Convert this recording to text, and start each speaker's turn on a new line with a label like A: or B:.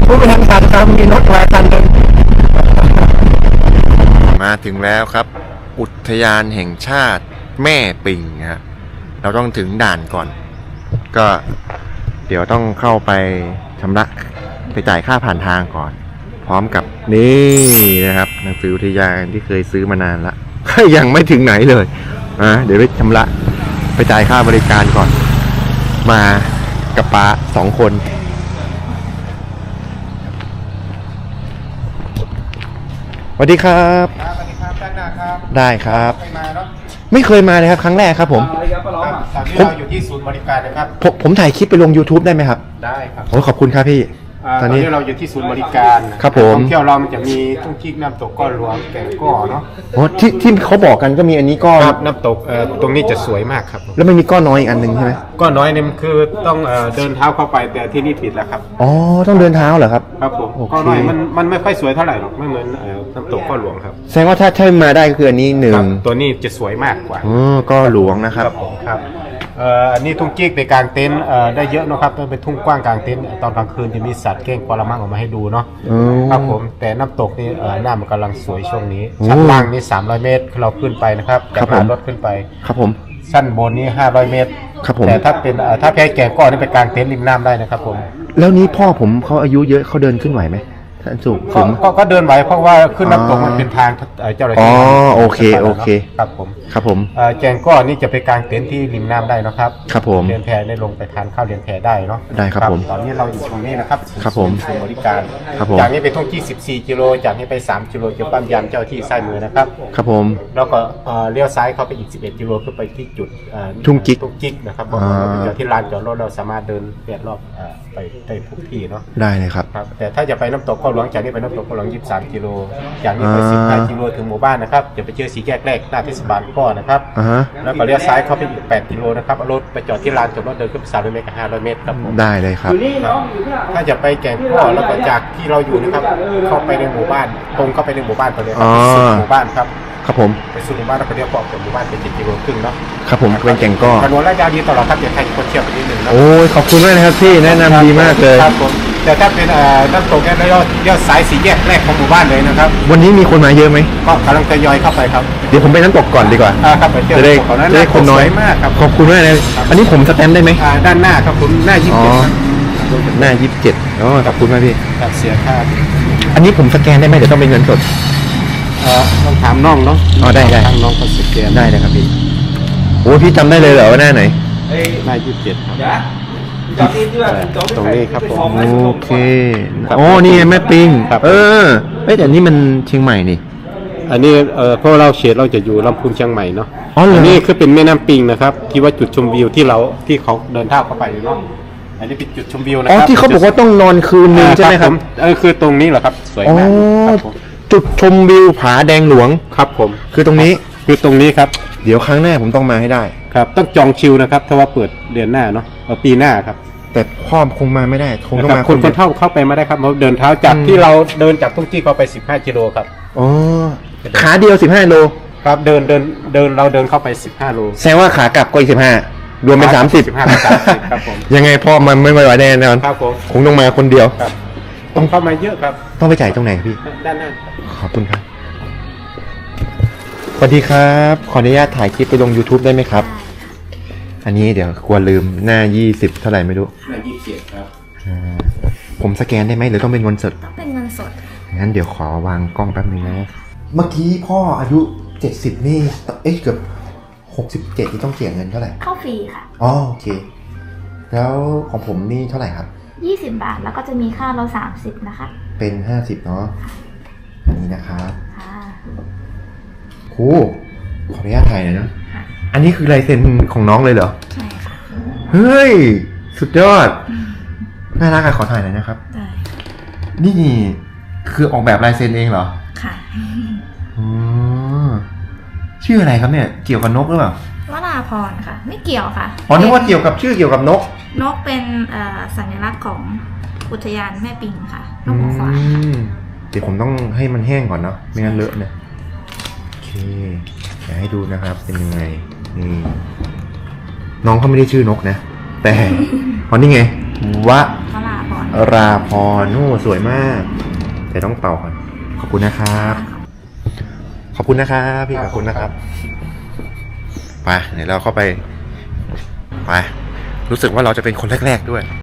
A: ผู้บริหารครับมีรถมาคันหนึ่งมาถึงแล้วครับอุทยานแห่งชาติแม่ปิงฮะเราต้องถึงด่านก่อนก็เดี๋ยวต้องเข้าไปชำระไปจ่ายค่าผ่านทางก่อนพร้อมกับนี่นะครับหนังสืออุทยานที่เคยซื้อมานานละยังไม่ถึงไหนเลยเดี๋ยวไปชำระไปจ่ายค่าบริการก่อนมากับป้า2 คนสวัสดีครับ
B: สวัสดีครับด้านหน้าครับ
A: ได้ครับ
B: ไปมาเนาะ
A: ไม่เคยมาเลยครับครั้งแรกครับผม
B: ตอนนี้เราอยู่ที่ศูนย์บริการนะครับ
A: ผมถ่ายคลิปไปลง YouTube ได้ไหมครับ
B: ได้ครับ
A: โอ้ขอบคุณครับพี่
B: ตอนนี้เราอยู่ที่ศูนย์บริการ
A: ครับผม
B: ท่องเที่ยวเรามันจะมีทุ่งกิ๊กน้ำตกก้อนหลวงแก่งก้อเนาะ
A: โอ้ที่เขาบอกกันก็มีอันนี้ก้อน
B: ครับน้ำตกตรงนี้จะสวยมากครับ
A: แล้วไม่มีก้อนน้อยอีกอันหนึ่งใช่ไหม
B: ก้อนน้อยเนี่ยมันคือต้องเดินเท้าเข้าไปแต่ที่นี่ปิดแล้วครับ
A: อ๋อต้องเดินเท้าเหรอครับ
B: ครับผม
A: โอเค
B: ก้อนน้อยมันไม่ค่อยสวยเท่าไหร่หรอกไม่เหมือนน้ำตกก้อนหลวงครับ
A: แสดงว่าถ้ามาได้ก็คืออันนี้หนึ่
B: ค
A: ง
B: รับตัวนี้จะสวยมากกว่า
A: ก้อนหลวงนะครับ
B: ผมครับอันนี้ทุ่งกิ๊กไปกลางเต็นท์ได้เยอะนะครับเป็นทุ่งกว้างกลางเต็นท์ตอนกลางคืนจะมีสัตว์เก้งกวาละมังออกมาให้ดูเนาะครับผมแต่น้ำตกนี่หน้ามันกำลังสวยช่วงนี้ชั้นล่างนี่300 เมตรเราขึ้นไปนะครับจากลานรถขึ้นไป
A: ครับผม
B: ชั้นบนนี่500 เมตร
A: ครับผม
B: แต่ถ้าเป็นถ้าแพ้แก่ก้อนนี่ไปกลางเต็นท์ริมน้ำได้นะครับผม
A: แล้วนี้พ่อผมเขาอายุเยอะเขาเดินขึ้นไหวไหมท่านสูง
B: ก็เดินไหวเพราะว่าขึ้นน้ำตกมันเป็นทางเจ้าหน้าที่
A: โอเค
B: ครับผม
A: ครับผม
B: แกงก้อนนี่จะไปกลางเต็นท์ที่ริมน้ำได้นะครับ
A: ครับผม
B: เรียนแพได้ลงไปทานข้าวเรียนแพได้เนาะ
A: ได้ครับผม
B: ตอนนี้เราอยู่ตรงนี้นะครับ
A: ครับผม
B: ศูนย์บริการ
A: ครับผม
B: จากนี้ไปท่องที่14 กิโลจากนี้ไป3 กิโลจะปั๊มยามเจ้าที่ซ้ายมือนะครับ
A: ครับผม
B: แล้วก็เลี้ยวซ้ายเข้าไปอีก11 กิโลขึ้นไปที่จุด
A: ทุ่งกิ๊ก
B: นะครับ
A: อ่า
B: เป็นจุดที่ลานจอดรถเราสามารถเดินเลียดรอบไปได้ทุกที่เนาะ
A: ได้เลยครับ
B: ครับแต่ถ้าจะไปน้ำตกก็หลวงจากนี้ไปน้ำตกก็หลวง23 กิโลจากนี้ไป15 กิโลถึงหมู่บ้านนะครับจะไปเจอสีแยกแรกหน้าเทศบาลก็นะครับ แล้วก็เลี้ยวซ้ายเข้าไปอีก8 กิโลนะครับเอารถไปจอดที่ลานจอดรถเดินขึ้นไป300 เมตรกับ500 เมตรครับผม
A: ได้เลยครับ
B: ถ้าจะไปแก่งก้อแล้วก็จากที่เราอยู่นะครับเข้าไปในหมู่บ้านตรงเข้าไปในหมู่บ้านไปเลยครับสุดหมู่บ้านครับ
A: ครับผม
B: ไปสุดหมู่บ้านแล้วก็เลี้ยวขวาจากหมู่บ้านไป7 กิโลครึ่งเนาะ
A: ครับผมเป็นแก่งก้อ
B: ถนนระยะดีตลอดครับเดี๋ยวใครคนเชี่ยวไปนิดนึงนะ
A: โอ้ยขอบคุณมากนะครับพี่แนะนำดีมากเลย
B: ครับผมแต่ถ้าเป็นน้ำตกเนี่ยเราเลี้ยวซ้ายสีแยกแรกของหมู่บ้านเลยนะครับ
A: วันนี้มีคนมาเยอะไหม
B: ก็กำลังทยอยเข้าไปครับ
A: เดี๋ยวผมไปน้ำตกก่อนดีกว่า
B: ครับไปเที่ยว
A: จะได้
B: น้ำตกเขานั้น
A: จะได้คนน้อย
B: สวยมากครับ
A: ขอบคุณมากเลยอันนี้ผมสแตมป์ได้ไหม
B: ด้านหน้าครับผมหน้า27ครับ
A: หน้า27ขอบคุณมากพี่
B: ครับเสียค่า
A: อันนี้ผมสแกนได้ไหมเดี๋ยวต้องเป็นเงินสด
B: ต้องถามน้องเนาะ
A: ได้
B: ทางน้องเขาสแกน
A: ได้เลยครับพี่โอ้พี่จำได้เลยเหรอว่าหน้าไหน
B: หน้า27ครับตรงนี้ครับผม
A: โอเคโอ้นี่ไงแม่ปิง
B: ครับ
A: แต่นี่มันเชียงใหม่นี่
B: อันนี้เพราะเราเขตเราจะอยู่ลำพูนเชียงใหม่เนาะ
A: อ๋อเหรออั
B: นนี้คือเป็นแม่น้ำปิงนะครับที่ว่าจุดชมวิวที่เขาเดินเท้าเข้าไปเนาะอันนี้เป็นจุดชมวิวนะค
A: อ๋อ
B: รับ
A: ที่เขาบอกว่าต้องนอนคืนนึงใช่ไหมครับ
B: คือตรงนี้เหรอครับสวย
A: อ๋อ
B: มากครับผม
A: จุดชมวิวผาแดงหลวง
B: ครับผม
A: คือตรงนี้
B: คือตรงนี้ครับ
A: เดี๋ยวครั้งหน้าผมต้องมาให้ได้
B: ครับต้องจองคิวนะครับถ้าว่าเปิดเดือนหน้าเนาะปีหน้าครับ
A: แต่พ่อคงมาไม่ได้คงต้อง
B: นะ
A: มา
B: รับคน
A: ดียว
B: เข้าไปไม่ได้ครับเราเดินเท้าจากที่เราเดินจากทุ่งที่เข้าไป15 กิโลครับ
A: อ๋อขาเดียว15โล
B: ครับเดินเราเดินเข้าไป15 โล
A: แสดงว่าขากลับก็อีก15รวมเป็น30
B: 15เป็น30ครับผม
A: ยังไงพ่อมันไม่ไหวแน่นอน
B: ครับผม
A: คงต้องมาคนเดียว
B: ครับต้องเข้ามาเยอะครับ
A: ต้องไปจ่ายตรงไหนพี่
B: ด้านหน้า
A: ขอบคุณครับสวัสดีครับขออนุญาตถ่ายคลิปไปลง YouTube ได้ไหมครับ อันนี้เดี๋ยวกลัวลืมหน้า20เท่าไหร่ไม่รู้
B: หน้า27ครับ
A: ผมสแกนได้ไหมหรือต้องเป็นเงินสด
C: ต้องเป็นเงินสด
A: งั้นเดี๋ยวขอวางกล้องแป๊บนึงนะ เมื่อกี้พ่ออายุ70นี่เกือบ67ที่ต้องเสียเงินเท่าไหร่
C: เข้าฟรีค่ะ
A: อ๋อโอเค แล้วของผมนี่เท่าไหร่ครับ
C: 20 บาทแล้วก็จะมีค่ารถ30นะคะ
A: เป็น50เนาะอันนี้นะครับ
C: ค่ะ
A: ครูขออนุญาตถ่ายหน่อยนะ
C: ค่ะ
A: อันนี้คือลายเซ็นของน้องเลยเหรอ
C: ใช่ค่ะ
A: เฮ้ยสุดยอดน่ารักอะขอถ่ายหน่อยนะครับ
C: ได้
A: นี่คือออกแบบลายเซ็นเองเหรอ
C: ค่ะ
A: อ๋อชื่ออะไรครับเนี่ยเกี่ยวกับนกหรือเปล่าว
C: ราพรค่ะ ไม่เกี่ยวค่ะ
A: อ๋อนึกว่าเกี่ยวกับชื่อเกี่ยวกับนก
C: นกเป็นสัญลักษณ์ของอุทยานแม่ปิงค่ะนกหัวขวาน
A: เดี๋ยวผมต้องให้มันแห้งก่อนเนาะไม่งั้นเลอะเนี่ยโอเคเดี๋ยวให้ดูนะครับเป็นยังไงนี่น้องเขาไม่ได้ชื่อนกนะ แต่ อ๋อนี่ไงวะ
C: วราพร
A: ราพรนู่สวยมากเดี๋ยวต้องเป่าก่อนขอบคุณนะครับ ขอบคุณนะครับพี่ขอบคุณนะครับไปเดี๋ยวเราเข้าไปรู้สึกว่าเราจะเป็นคนแรกๆด้วย